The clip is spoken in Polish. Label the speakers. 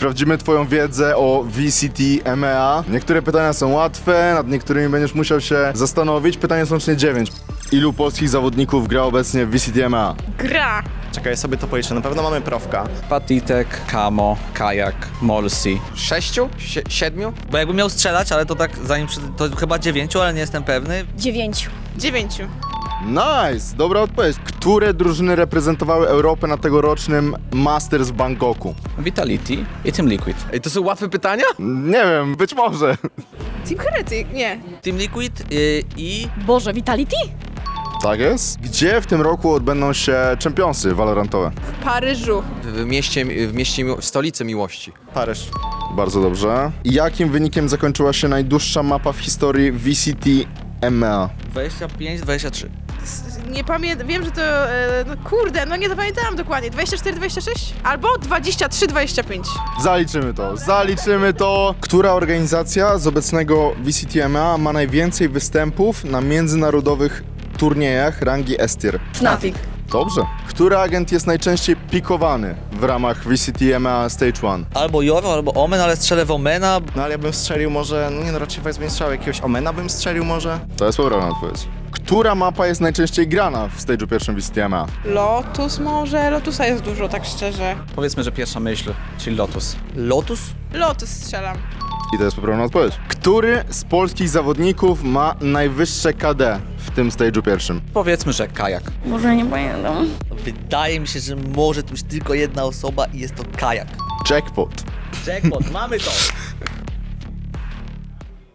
Speaker 1: Sprawdzimy twoją wiedzę o VCT MEA. Niektóre pytania są łatwe, nad niektórymi będziesz musiał się zastanowić. Pytanie są łącznie 9. Ilu polskich zawodników gra obecnie w VCT MEA?
Speaker 2: Gra.
Speaker 3: Czekaj, sobie to policzę. Na pewno mamy Profka.
Speaker 4: Patitek, Kamo, Kajak, Molsi.
Speaker 5: 6? 7?
Speaker 6: Bo jakbym miał strzelać, ale to tak zanim to chyba 9, ale nie jestem pewny.
Speaker 2: 9. 9.
Speaker 1: Nice! Dobra odpowiedź. Które drużyny reprezentowały Europę na tegorocznym Masters w Bangkoku?
Speaker 4: Vitality i Team Liquid.
Speaker 5: Ej, to są łatwe pytania?
Speaker 1: Nie wiem, być może.
Speaker 2: Team Heretic, nie.
Speaker 6: Team Liquid i...
Speaker 2: Boże, Vitality?
Speaker 1: Tak jest. Gdzie w tym roku odbędą się Championsy Valorantowe?
Speaker 2: W Paryżu.
Speaker 5: W stolicy miłości.
Speaker 3: Paryż.
Speaker 1: Bardzo dobrze. Jakim wynikiem zakończyła się najdłuższa mapa w historii VCT MEA?
Speaker 6: 25-23.
Speaker 2: Nie pamiętam, wiem, że to, no kurde, no nie zapamiętałam dokładnie. 24-26? Albo 23-25.
Speaker 1: Zaliczymy to. Która organizacja z obecnego VCT MEA ma najwięcej występów na międzynarodowych turniejach rangi S-tier?
Speaker 2: Fnatic.
Speaker 1: Dobrze. Który agent jest najczęściej pikowany w ramach VCT MEA Stage 1?
Speaker 6: Albo Joro, albo Omen, ale strzelę w Omena.
Speaker 3: No ale ja bym strzelił może, no nie no, raczej bym strzelił jakiegoś Omena bym strzelił może.
Speaker 1: To jest poprawna odpowiedź. Która mapa jest najczęściej grana w stage'u pierwszym VCT MEA?
Speaker 2: Lotus może? Lotusa jest dużo, tak szczerze.
Speaker 4: Powiedzmy, że pierwsza myśl, czyli Lotus.
Speaker 6: Lotus?
Speaker 2: Lotus strzelam.
Speaker 1: I to jest poprawna odpowiedź. Który z polskich zawodników ma najwyższe KD w tym stage'u pierwszym?
Speaker 4: Powiedzmy, że Kajak.
Speaker 2: Może nie pamiętam.
Speaker 6: Wydaje mi się, że może tu być tylko jedna osoba i jest to Kajak.
Speaker 1: Jackpot.
Speaker 6: Jackpot, mamy to!